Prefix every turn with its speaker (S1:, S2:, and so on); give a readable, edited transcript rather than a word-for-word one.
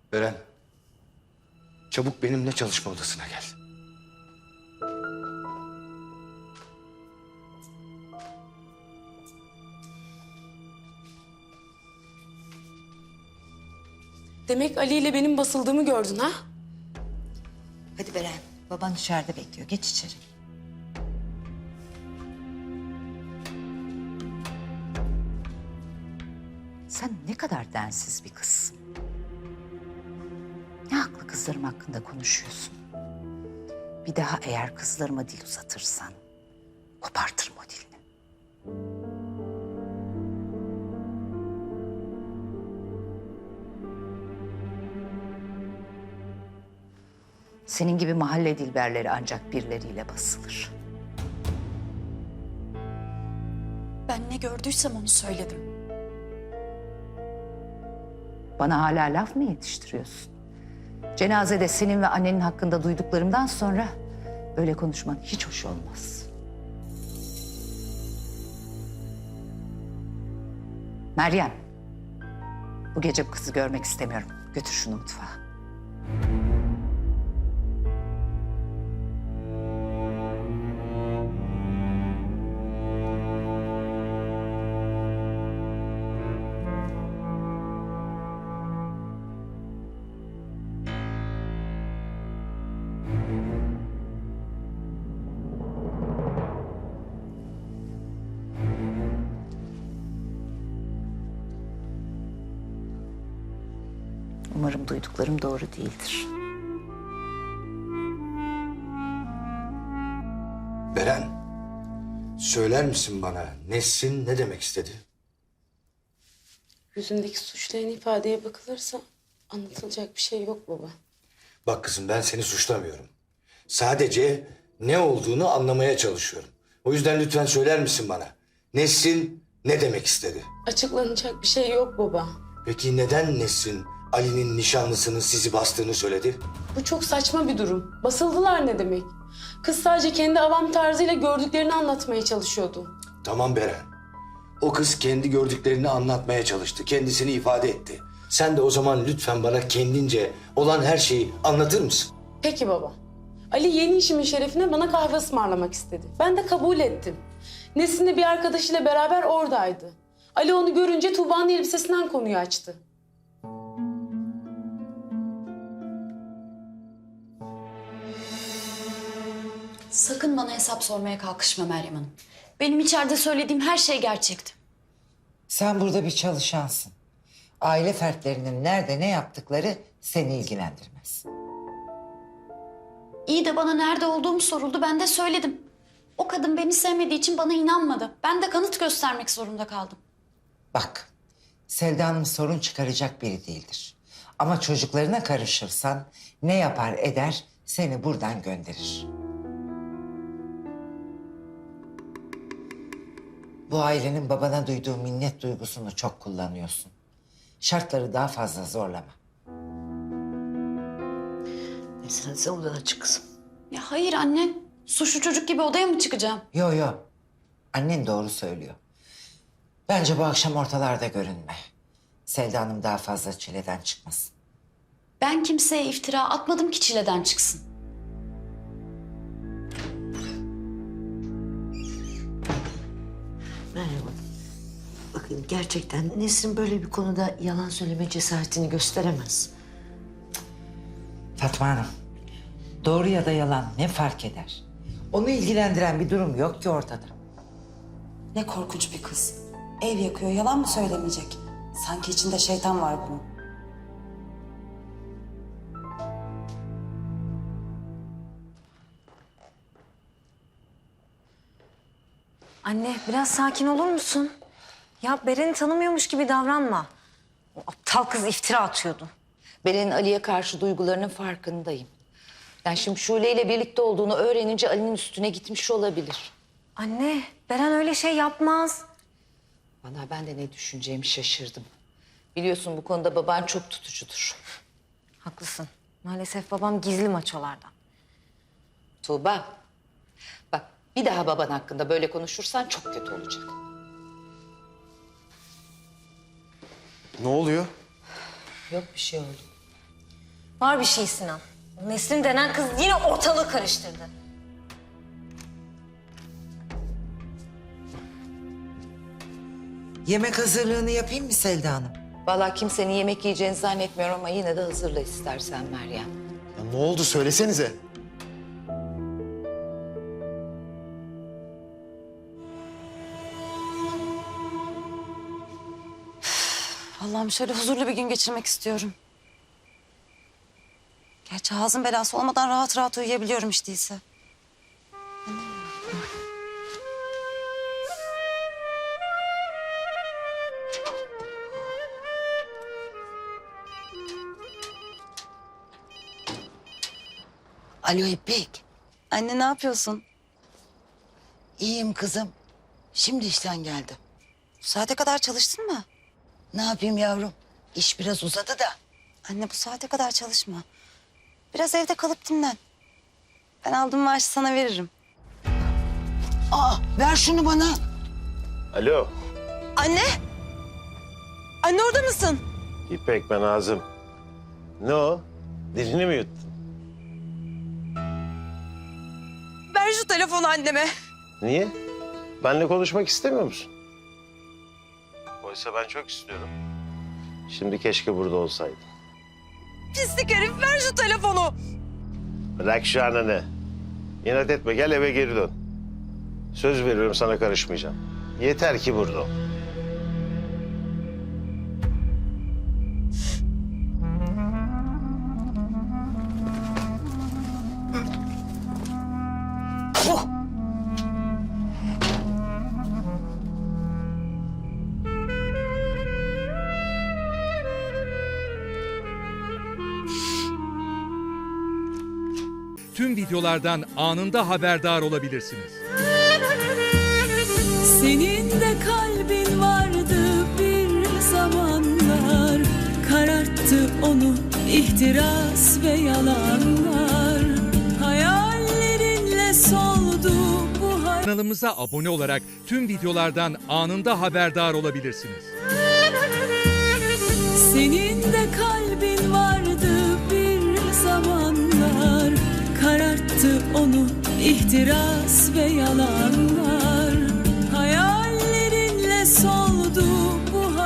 S1: Beren, çabuk benimle çalışma odasına gel.
S2: Demek Ali ile benim basıldığımı gördün ha?
S3: Hadi Beren, baban içeride bekliyor. Geç içeri. Sen ne kadar densiz bir kızsın. Ne haklı kızlarım hakkında konuşuyorsun. Bir daha eğer kızlarıma dil uzatırsan kopartırım o dilini. Senin gibi mahalle dilberleri ancak birileriyle basılır.
S4: Ben ne gördüysem onu söyledim.
S3: Bana hala laf mı yetiştiriyorsun? Cenazede senin ve annenin hakkında duyduklarımdan sonra böyle konuşman hiç hoş olmaz. Meryem, bu gece bu kızı görmek istemiyorum. Götür şunu mutfağa. Umarım duyduklarım doğru değildir.
S1: Beren, söyler misin bana Nesrin ne demek istedi?
S2: Yüzündeki suçlayan ifadeye bakılırsa anlatılacak bir şey yok baba.
S1: Bak kızım, ben seni suçlamıyorum. Sadece ne olduğunu anlamaya çalışıyorum. O yüzden lütfen söyler misin bana? Nesrin ne demek istedi?
S2: Açıklanacak bir şey yok baba.
S1: Peki neden Nesrin Ali'nin nişanlısının sizi bastığını söyledi?
S2: Bu çok saçma bir durum. Basıldılar ne demek? Kız sadece kendi avam tarzıyla gördüklerini anlatmaya çalışıyordu.
S1: Tamam Beren. O kız kendi gördüklerini anlatmaya çalıştı. Kendisini ifade etti. Sen de o zaman lütfen bana kendince olan her şeyi anlatır mısın?
S2: Peki baba. Ali yeni işimin şerefine bana kahve ısmarlamak istedi. Ben de kabul ettim. Nesin de bir arkadaşıyla beraber oradaydı. Ali onu görünce Tuğba'nın elbisesinden konuyu açtı.
S4: Sakın bana hesap sormaya kalkışma Meryem Hanım. Benim içeride söylediğim her şey gerçekti.
S5: Sen burada bir çalışansın. Aile fertlerinin nerede ne yaptıkları seni ilgilendirmez.
S4: İyi de bana nerede olduğum soruldu, ben de söyledim. O kadın beni sevmediği için bana inanmadı. Ben de kanıt göstermek zorunda kaldım.
S5: Bak, Selda Hanım sorun çıkaracak biri değildir. Ama çocuklarına karışırsan ne yapar eder seni buradan gönderir. Bu ailenin babana duyduğu minnet duygusunu çok kullanıyorsun. Şartları daha fazla zorlama.
S6: Nesrin sen odana çık kızım.
S4: Ya hayır anne, suçlu çocuk gibi odaya mı çıkacağım?
S5: Yo yo, annen doğru söylüyor. Bence bu akşam ortalarda görünme. Selda Hanım daha fazla çileden çıkmasın.
S4: Ben kimseye iftira atmadım ki çileden çıksın.
S6: Merhaba. Bakın gerçekten Nesrin böyle bir konuda yalan söyleme cesaretini gösteremez.
S5: Fatma Hanım, doğru ya da yalan ne fark eder? Onu ilgilendiren bir durum yok ki ortada.
S7: Ne korkunç bir kız. Ev yakıyor, yalan mı söylemeyecek? Sanki içinde şeytan var bunun.
S8: Anne biraz sakin olur musun? Ya Beren'i tanımıyormuş gibi davranma. O aptal kız iftira atıyordu.
S3: Beren'in Ali'ye karşı duygularının farkındayım. Yani şimdi Şule ile birlikte olduğunu öğrenince Ali'nin üstüne gitmiş olabilir.
S8: Anne Beren öyle şey yapmaz.
S3: Vallahi ben de ne düşüneceğimi şaşırdım. Biliyorsun bu konuda baban çok tutucudur.
S8: Haklısın. Maalesef babam gizli maçolardan.
S3: Tuğba, bak bir daha baban hakkında böyle konuşursan çok kötü olacak.
S9: Ne oluyor?
S3: Yok bir şey oldu.
S8: Var bir şey Sinan. O Nesrin denen kız yine ortalığı karıştırdı.
S5: Yemek hazırlığını yapayım mı Selda Hanım?
S3: Vallahi kimsenin yemek yiyeceğini zannetmiyorum ama yine de hazırla istersen Meryem.
S9: Ya ne oldu söylesenize.
S7: Allah'ım şöyle huzurlu bir gün geçirmek istiyorum. Gerçi ağzın belası olmadan rahat rahat uyuyabiliyorum hiç değilse.
S6: Alo İpek.
S7: Anne ne yapıyorsun?
S6: İyiyim kızım. Şimdi işten geldim.
S7: Bu saate kadar çalıştın mı?
S6: Ne yapayım yavrum? İş biraz uzadı da.
S7: Anne bu saate kadar çalışma. Biraz evde kalıp dinlen. Ben aldığım maaşı sana veririm.
S6: Aa, ver şunu bana.
S10: Alo,
S7: Anne! Anne orada mısın?
S10: İpek ben Azım. Ne o? Dilini mi yuttun?
S7: Ver şu telefonu anneme.
S10: Niye? Benle konuşmak istemiyor musun? Oysa ben çok istiyorum. Şimdi keşke burada olsaydın.
S7: Pislik herif ver şu telefonu.
S10: Bırak şu ananı. İnat etme, gel eve geri dön. Söz veriyorum sana karışmayacağım. Yeter ki burada ol.
S11: Tüm videolardan anında haberdar olabilirsiniz.
S12: Senin de kalbin vardı bir zamanlar, kararttı onu ihtiras ve yalanlar. Hayallerinle soldu bu
S11: Kanalımıza abone olarak tüm videolardan anında haberdar olabilirsiniz.
S12: Senin de kalbin vardı bir zamanlar, kararttı onu ihtiras ve yalanlar.